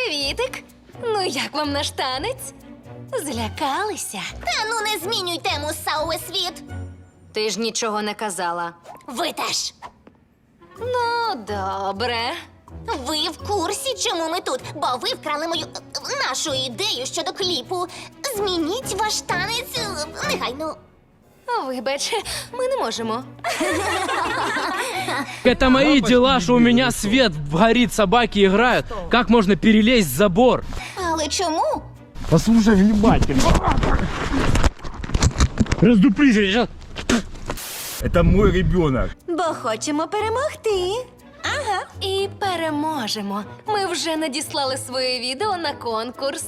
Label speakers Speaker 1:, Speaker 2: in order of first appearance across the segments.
Speaker 1: Привітик! Ну як вам наш танець? Злякалися?
Speaker 2: Та ну не змінюй тему, Сауе Світ.
Speaker 1: Ти ж нічого не казала.
Speaker 2: Ви теж.
Speaker 1: Ну, добре.
Speaker 2: Ви в курсі, чому ми тут? Бо ви вкрали нашу ідею щодо кліпу. Змініть ваш танець негайно.
Speaker 1: Вибач, ми не можемо.
Speaker 3: Это мои дела, что у меня свет горит, собаки играют. Как можно перелезть забор?
Speaker 2: Але чому?
Speaker 3: Послушай внимательно. Раздуплись, я сейчас...
Speaker 4: Это мой ребенок.
Speaker 2: Бо хочемо перемогти. Ага.
Speaker 1: І переможемо. Ми вже надіслали своє відео на конкурс.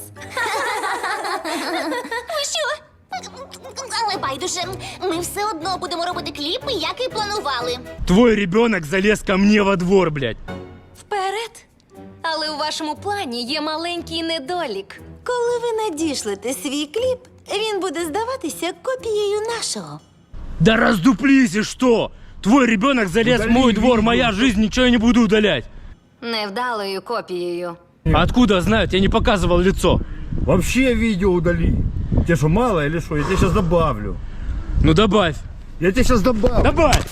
Speaker 2: Ви що? Але байдуже, ми все одно будемо робити кліпи, як і планували.
Speaker 3: Твой ребенок залез ко мне во двор, блядь.
Speaker 1: Вперед! Але у вашому плані є маленький недолік.
Speaker 5: Коли ви надішлете свій кліп, він буде здаватися копією нашого.
Speaker 3: Да раздуплись и что? Твой ребенок залез в мой двор, моя жизнь, ничего я не буду удалять.
Speaker 1: Невдалою копією.
Speaker 3: Откуда знают? Я не показывал лицо.
Speaker 4: Вообще видео удали. Тебе что, мало или что? Я тебе сейчас добавлю.
Speaker 3: Ну добавь.
Speaker 4: Я тебе сейчас добавлю.
Speaker 3: Добавь!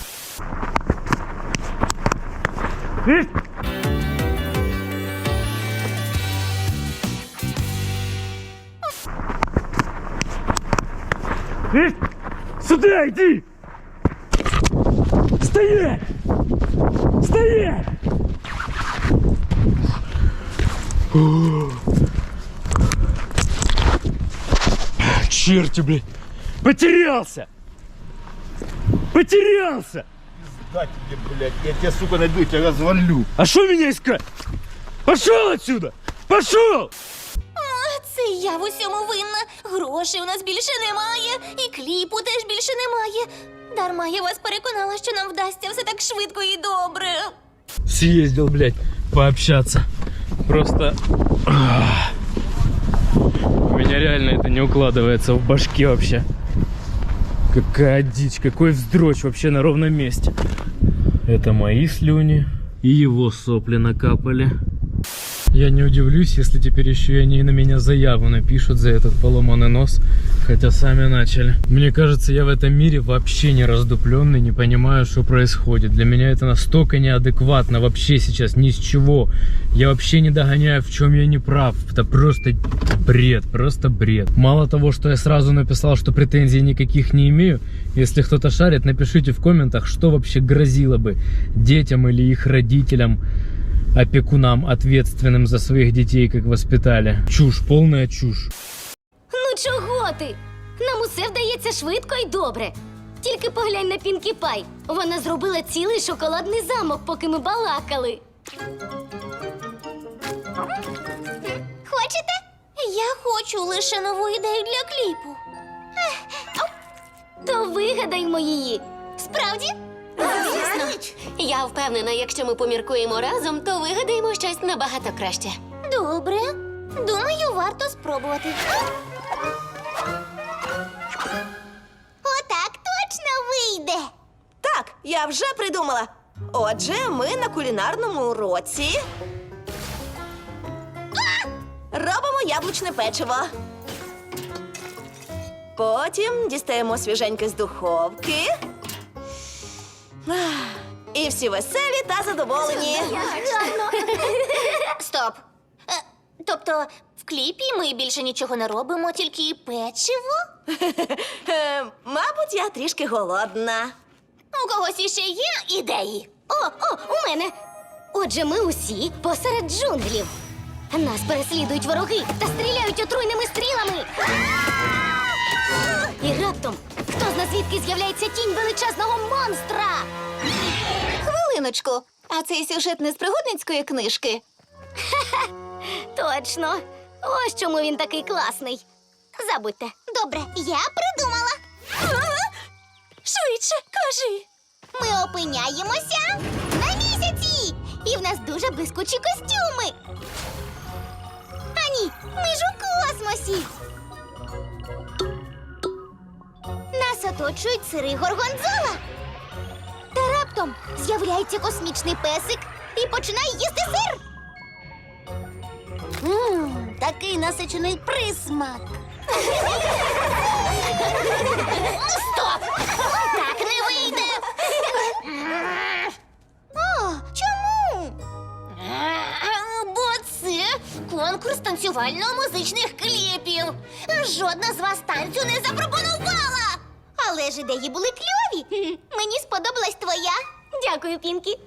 Speaker 3: Сюда иди! Стоять! Стоять! Черти, блядь! Потерялся! Потерялся!
Speaker 4: Да тебе, блядь, я тебя, сука, найду, я тебя развалю.
Speaker 3: А что меня искать? Пошел отсюда! Пошел!
Speaker 2: Це я в усьому винна. Грошей у нас більше немає, і кліпу теж більше немає. Дарма я вас переконала, що нам вдасться все так швидко і добре.
Speaker 3: Съездил, блядь, пообщаться. Просто... У меня реально это не укладывается в башке вообще. Какая дичь, какой вздрочь вообще на ровном месте. Это мои слюни и его сопли накапали. Я не удивлюсь, если теперь еще и они на меня заяву напишут за этот поломанный нос, хотя сами начали. Мне кажется, я в этом мире вообще не раздупленный, не понимаю, что происходит. Для меня это настолько неадекватно вообще сейчас, ни с чего. Я вообще не догоняю, в чем я не прав. Это просто бред, просто бред. Мало того, что я сразу написал, что претензий никаких не имею, если кто-то шарит, напишите в комментах, что вообще грозило бы детям или их родителям, опекунам, ответственным за своих детей, как воспитали. Чушь, полная чушь.
Speaker 2: Ну чого ти? Нам усе вдається швидко і добре. Тільки поглянь на Пінкі Пай. Вона зробила цілий шоколадний замок, поки ми балакали. Хочете? Я хочу лише нову ідею для кліпу. То вигадаймо її. Справді? Звісно.
Speaker 6: Я впевнена, якщо ми поміркуємо разом, то вигадаємо щось набагато краще.
Speaker 2: Добре. Думаю, варто спробувати. Отак точно вийде.
Speaker 5: Так, я вже придумала. Отже, ми на кулінарному уроці робимо яблучне печиво. Потім дістаємо свіженьке з духовки. І всі веселі та задоволені.
Speaker 2: Стоп. Тобто, в кліпі ми більше нічого не робимо, тільки печиво?
Speaker 5: Мабуть, я трішки голодна.
Speaker 2: У когось іще є ідеї? У мене. Отже, ми усі посеред джунглів. Нас переслідують вороги та стріляють отруйними стрілами. І раптом, хто зна звідки з'являється тінь величезного монстра?
Speaker 6: Хвилиночку, а цей сюжет не з пригодницької книжки?
Speaker 2: Точно. Ось чому він такий класний. Забудьте. Добре, я придумала. Швидше, кажи. Ми опиняємося на місяці. І в нас дуже блискучі костюми. А ні, ми ж у космосі. Нас оточують сири горгонзола. Та раптом з'являється космічний песик і починає їсти сир. такий насичений присмак. Стоп! Так не вийде. О, чому? Бо це конкурс танцювально-музичних кліпів. Жодна з вас танцю не запропонувала. Але ж ідеї були кльові. Мені сподобалась твоя. Дякую, Пінкі.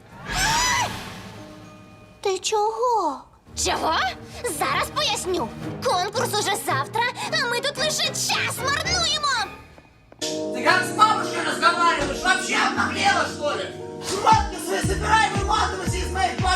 Speaker 2: Ти чого? Чого? Зараз поясню. Конкурс уже завтра, а ми тут лише час марнуємо.
Speaker 7: Ты как с бабушкой разговариваешь? Вообще обнаглела, что ли? Шмотки свои собирай, выматывайся из моей